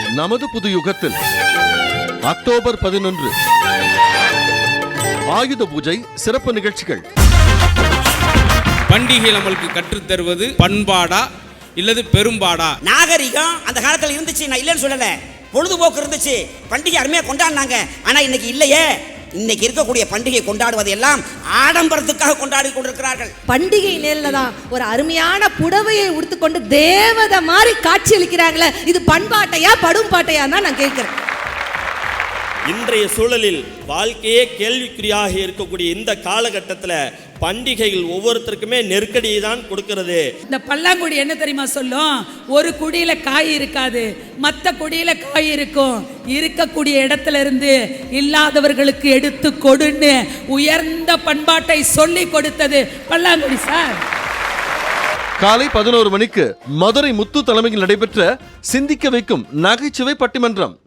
நமது புது யுகத்தில் அக்டோபர் 11 ஆயுத பூஜை சிறப்பு நிகழ்ச்சிகள். பண்டிகை நம்மளுக்கு கற்றுத்தருவது பண்பாடா இல்லது பெரும்பாடா? நாகரிகம் அந்த காலத்துல இருந்துச்சு, நான் இல்லைன்னு சொல்லல. பொழுதுபோக்கு இருந்துச்சு, பண்டிகை அருமையா கொண்டாடினாங்க. ஆனா இன்னைக்கு இல்லையே. இன்னைக்கு இருக்கக்கூடிய பண்டிகை கொண்டாடுவது எல்லாம் ஆடம்பரத்துக்காக கொண்டாடி கொண்டிருக்கிறார்கள். பண்டிகை நேரில் தான் ஒரு அருமையான புடவையை உடுத்துக்கொண்டு தேவதை மாதிரி காட்சி அளிக்கிறாங்களே, இது பண்பாட்டையா படும் பாட்டையா தான் நான் கேட்கிறேன். இன்றைய சூழலில் வாழ்க்கையே கேள்விக்குறியாக இருக்கக்கூடிய இந்த காலகட்டத்தில் பண்டிகைகள் ஒவ்வொருத்தருக்குமே நெருக்கடியை தான் கொடுக்கிறது. இந்த பல்லாங்குடி என்ன தெரியுமா சொல்லும்? ஒரு குடியில காய் இருக்காது, மற்ற குடியில காய் இருக்கும். இருக்கக்கூடிய இடத்துல இருந்து இல்லாதவர்களுக்கு எடுத்து கொடுன்னு உயர்ந்த பண்பாட்டை சொல்லி கொடுத்தது பல்லாங்குடி சார். காலை 11 மணிக்கு மதுரை முத்து தலைமையில் நடைபெற்ற சிந்திக்க வைக்கும் நகைச்சுவை பட்டிமன்றம்.